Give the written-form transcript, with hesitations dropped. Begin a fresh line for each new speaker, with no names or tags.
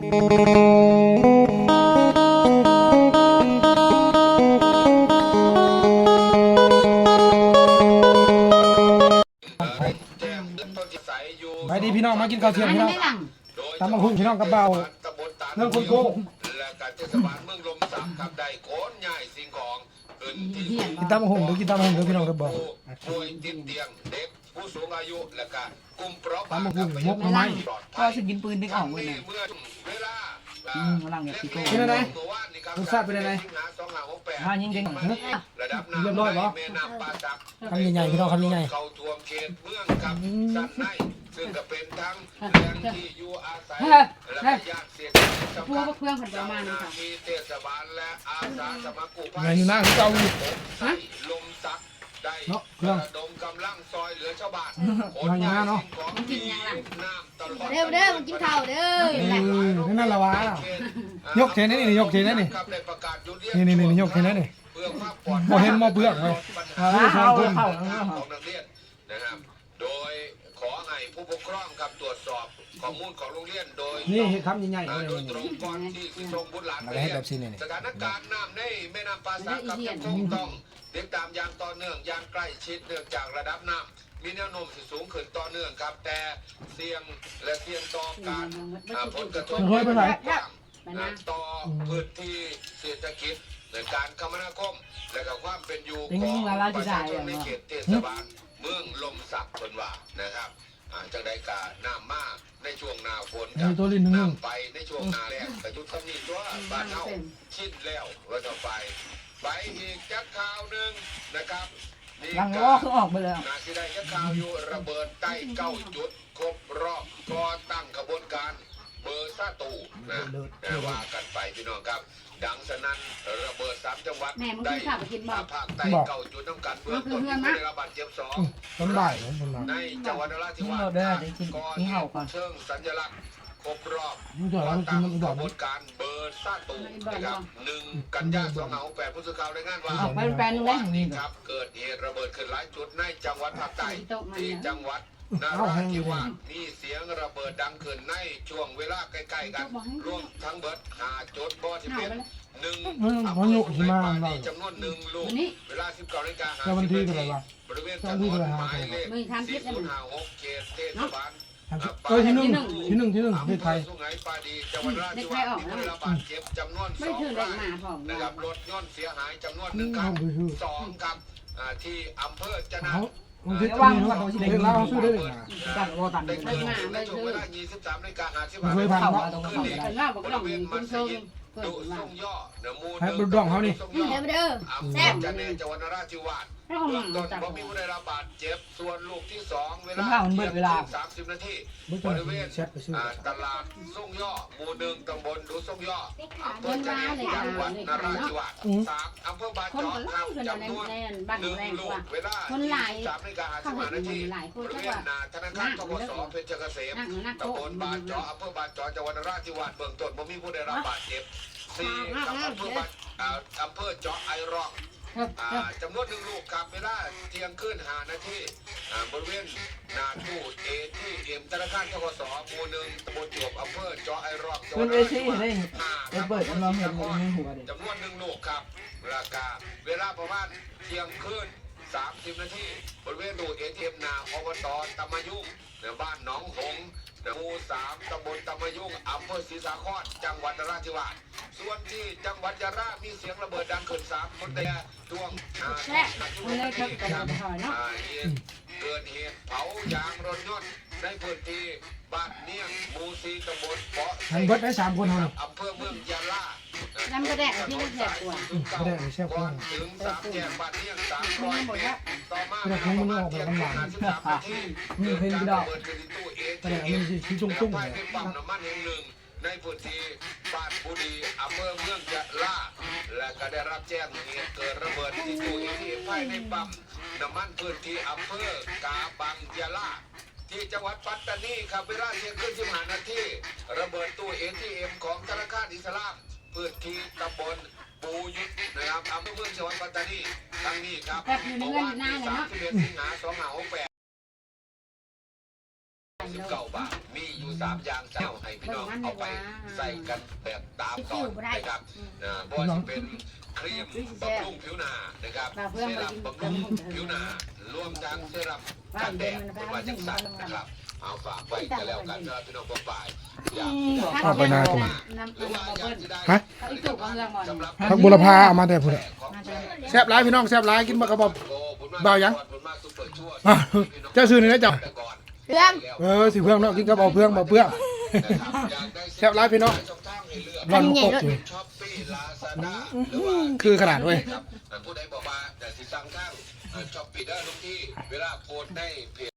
ไปดีพี่น้องมากินข้าวเที่ยงพี่น้องตำมะฮุ่งพี่น้องกับเบาเรื่องคนโก้
และการเทศบาลเมืองลมสักครับได้โคนใหญ่สิ่งของพื้นที่
กินตำมะฮุ่งหรือกินตำมะฮุ่งหรือพี่น้องกับเบา
ป่วยติดเตียงเด็กผู้สูงอายุและก็กลุ่มเปราะบาง
ตำมะฮุ่งมกไม้
ก็จะกินปืนดึกออกเลยนะ
เมื่อเวลา
หลังเนี่ยพี่โก้
เป็นอะไรรสชาติเป็นอะไร
ยิง
ระดับน้ำ
เรียบร้อยปะ
แม่น้ำป่าสัก
คำใหญ่ๆพี่น้องคำใหญ่
เข้าท่วมเขตเมืองกับสันในซึ่งก็เป็นทั้งแหล่งที่อยู่อาศัยและก็ญาติเสียชีวิตสำคัญเจ้าหน้าที่เทศบาลและอาสาสมัครกู้ภัย
ๆอยู่หน้าที่เก่าอยู่
ลมซักได้ระดมกำลังซอยเหลือชาวบ้านคนงานของมีน้ำตลอด
เด้อมันกินข้าวเด้อ
นั่นละวะยกเทนนี่ยกเทนนี่นี่ยกเทนนี่บ่เห็นบ่เปลือกเลย
ของนักเรียนนะครับโดยขอให้ผู้ปกครองครับตรวจสอบข้อมูลของโรงเรียนโดย
นี่คำใหญ่ๆ
โดยตรงก่อนที่ส่งบุตรหลานไปเรียนสถานการณ์น้ำในแม่น้ำป่าสักครับยังคงต้องติดตามอย่างต่อเนื่องอย่างใกล้ชิดเนื่องจากระดับน้ำมีแนวโน้มสูงขึ้นต่อเนื่องครับแต่เสี่ยงต่อการผลกระทบต่อพื้นที่เศรษฐกิจในการคมนาคมและกับความเป็นอยู่ของประชาชนในเขตเทศบาลเมืองลมสักคนว่านะครับจังใดกาน้ำมากในช่วงหน้าฝนกับน้ำไปในช่วงหน้าแล้งกระจุดคำนี้ตัวบ้านเฮาชิดแล้วว่าจะไปอีกจักข่าวหนึ่งนะครับ
ยังล้อคือออกไปเลย
นาทีใดจักข่าวอยู่ระเบิดใต้9 จุดครบรอบก่อตั้งกระบวนการเบอร์ซาตูนะว่ากันไปพี่น้องครับดังสนั่นระเบิด3 จังหวัดได้ภาคใต้9 จุดต้องการเบื้องต้นได้รับบาดเจ็บ2
ต้นบ่ายผม
ในจังหวัดนราธิวาสก่อนเชิงสัญลักษณ์ครบรอบตั้งกระบวนการเบอร์ซาตูนะครับ1 กันยายน 2568ผู้สื่อข่าวรายงานว่านี่ครับเกิดเหตุระเบิดขึ้นหลายจุดในจังหวัดภาคใต้ที่จังหวัดนราธิวาสมีเสียงระเบิดดังขึ้นในช่วงเวลาใกล้ๆกันรวมทั้งเบิด5 จุดบ่ที่เป็น1อำเภอสุไหงปานีจำนวน1 ลูกเวลา 19:50 นาทีบริเวณถนนหมายเลข4056เขตเทศบาล
ที่หนึ่งที่ไทย
สุไหงปานีจังหวัดนราธิวาสมีผู้ได้รับบาดเจ็บจำนวน2 รายนะครับรถยนต์เสียหายจำนวน1 คัน2 ครับที่อำเภอจะนะ
เดี๋ยวว่างว่าเด็กเราซื้อได้เลย
กันโอตัน
ในช่วงเวลา 23:50
เคยผ่านมา
บริเวณมัสยิดดุส่งย่อเนื้อมู
ให้บุญดองเขานี่
เด้อ
แซ่บจันเนจังหวัดนราธิวาสเบื้องต้นบ่มีผู้ได้รับบาดเจ็บส่วนลูกที่2เวลา30 นาทีบริเวณตลาดส่งย่อหมู่1ตำบลดุส่งย่ออำเภอจันเนจังหวัดนราธิวาส3อำเภอบางจอกครับจำนวน1 ลูกเวลา 23:55 นาทีบริเวณธนาคารธ.ส.เพชรเกษมตำบลบางจอกอำเภอบางจอกจังหวัดนราธิวาสเบื้องต้นบ่มีผู้ได้รับบาดเจ็บ4กับอำเภอเจาะไอร้องจำนวน1 ลูกครับเวลาเที่ยงคืน5 นาทีบริเวณหน้าตู้ ATM ธนาคารธ.ส.หมู่1ตำบลจวบอำเภอเจาะไอร้องจังหวัดนราธิวาส
เปิดเราเห็นในหัว
จำนวน1 ลูกครับราคาเวลาประมาณเที่ยงคืน30 นาทีบริเวณตู้ ATM หน้าอบต.ตำมะยุ่งบ้านหนองหงหมู่3ตำบลตำมะยุ่งอำเภอศรีสาครจังหวัดนราธิวาสส่วนที่จังหวัดยะลามีเสียงระเบิดดังขึ้น3 คนแต่ช่วงนาทีเกิดเหตุเผายางรถยนต์ในพื้นที่บ้านเนียงหมู่4ตำบลเปาะ
ทั้งเบิดได้3 คนเท่านั้น
อำเภอเมืองยะลา
น้ำกระแดกที่มันแสบกว่า
ก็ได้เชฟก่อน
ถึง3 แยกบ้านเนียง300 เมตรต่อมาเวลาเที่ยงคืน53 นาทีเกิดการระเบิดขึ้นที่ตู้ ATM ภายในปั๊มน้ำมันแห่งหนึ่งในพื้นที่บ้านบุรีอำเภอเมืองยะลาและก็ได้รับแจ้งเหตุเกิดระเบิดที่ตู้ ATM ภายในปั๊มน้ำมันพื้นที่อำเภอกาบังยะลาที่จังหวัดปัตตานีครับเวลาเที่ยงคืน15 นาทีระเบิดตู้ ATM ของธนาคารอิสลามพื้นที่ตำบลปูยุทธนะครับอำเภอเมืองจังหวัดปัตตานีทั้งนี้ครับเมื่อวานที่31 สิงหาคม 2568 19 บาทมีอยู่3อย่างเจ้าให้พี่น้องเอาไปใส่กันแบบตามตอนนะครับบ่ว่าจะเป็นครีมบำรุงผิวหน้านะครับเซรั่มบำรุงผิวหน้ารวมทั้งเซรั่มกันแดดเป็นว่าจังสันนะครับเอาฝากไว้กันแล้วกันนะพี่น้องบ่ฝ่ายอยาก
เอาไปนาที
น้ำมันบ่เบิ้ล
ฮะ
เอาอีกตุกเอาเรื่องก่อน
สำหรับ
ผักบุรพาเอามาแต่ผู้ใดแซ่บหลายพี่น้องแซ่บหลายกินบ่กระบอกเบายังอ่ะเจ้าซื้อนี่นะเจ้า
เรื่อง
สิเพื่องเนาะกินกับเอาเพื่องบ่เพื่องแซ่บหลายพี่น้องร้อนกบอยู่คือขนาดเว้ย
ผู้ใดบอกว่าแต่สิสั่งทางช้อปปี้ได้ทุกที่เวลาโพสต์ในเพ